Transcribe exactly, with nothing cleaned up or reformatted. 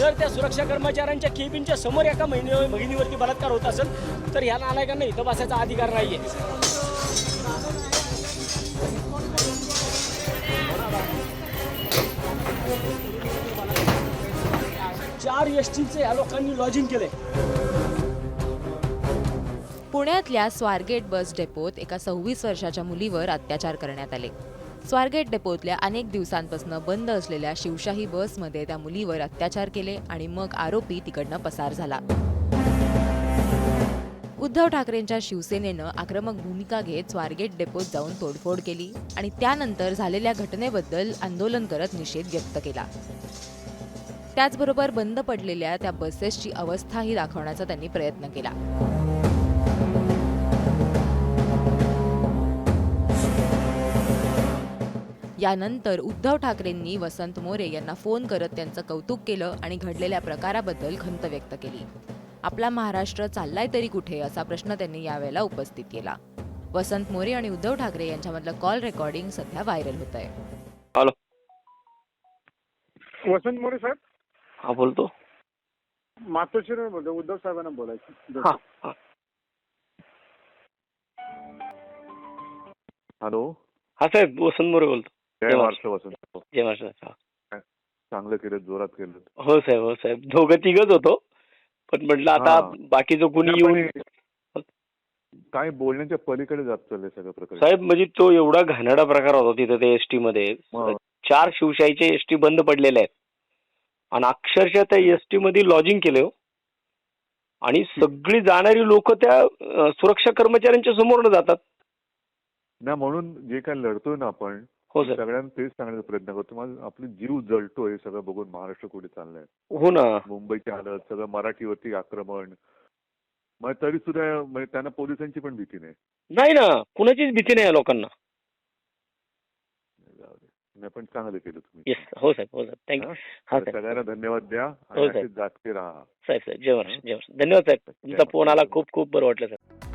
जर त्या सुरक्षा कर्मचाऱ्यांच्या केबिनच्या समोर एका महिने भगिनीवरती बलात्कार होत असेल तर ह्या नालायकांना इथं बसायचा अधिकार नाहीये. चार एस टीचे या लोकांनी लॉजिंग केले. पुण्यातल्या स्वारगेट बस डेपोत एका सव्वीस वर्षाच्या मुलीवर अत्याचार करण्यात आले. स्वारगेट डेपोतल्या अनेक दिवसांपासून बंद असलेल्या शिवशाही बसमध्ये त्या मुलीवर अत्याचार केले आणि मग आरोपी तिकडनं पसार झाला. उद्धव ठाकरेंच्या शिवसेनेनं आक्रमक भूमिका घेत स्वारगेट डेपोत जाऊन तोडफोड केली आणि त्यानंतर झालेल्या घटनेबद्दल आंदोलन करत निषेध व्यक्त केला. त्याचबरोबर बंद पडलेल्या त्या बसेसची अवस्थाही दाखवण्याचा त्यांनी प्रयत्न केला. यानंतर उद्धव ठाकरेंनी वसंत मोरे यांना फोन करत त्यांचं कौतुक केलं आणि घडलेल्या प्रकाराबद्दल खंत व्यक्त केली. आपला महाराष्ट्र चाललाय तरी कुठे असा प्रश्न त्यांनी यावेळेला उपस्थित केला. वसंत मोरे आणि उद्धव ठाकरे यांच्यामधलं कॉल रेकॉर्डिंग सध्या व्हायरल होत आहे. हॅलो, वसंत मोरे साहेब. हा बोलतो. मातोश्रीवर बोलतो. उद्धव साहेबांना बोलायचं. हा हा. हॅलो, हा साहेब, वसंत मोरे बोलतो. जय महाराष्ट्र. वसंत, जय महाराष्ट्र. हा. चांगलं केलं, जोरात केलं. हो साहेब, हो साहेब, दोघं तिघच होतो, पण म्हटलं आता हा. बाकीचं कोणी येऊन काय बोलण्याच्या पलीकडे जात चाललंय सगळं प्रकार. साहेब, म्हणजे तो एवढा घाणेरडा प्रकार होता तिथे ते एसटी मध्ये. हा. चार शिवशाहीचे एसटी बंद पडलेले आहेत आणि अक्षरशः त्या एसटी मध्ये लॉजिंग केले हो. आणि सगळी जाणारी लोक त्या अं, सुरक्षा कर्मचाऱ्यांच्या समोर जातात ना, म्हणून जे काय लढतोय ना आपण, हो सर. सगळ्यांना तेच सांगण्याचा प्रयत्न करतो. माझा आपली जीव जळतोय हे सगळं बघून. महाराष्ट्र कुठे चाललंय, हो ना. मुंबईची हालत, सगळं मराठीवरती आक्रमण. मग तरी सुद्धा म्हणजे त्यांना पोलिसांची पण भीती नाही. नाही ना, कुणाचीच भीती नाही या लोकांना. जाऊ दे. नाही, पण चांगलं केलं तुम्ही. येस, हो साहेब, हो साहेब, थँक्यू. हा साहेब, सगळ्यांना धन्यवाद द्या हो आणि साहेब. असेच जागते राहा. साहेब साहेब, जय महाराष्ट्र, जय महाराष्ट्र. धन्यवाद साहेब, तुमचा फोन आला, खूप खूप बरं वाटलं साहेब.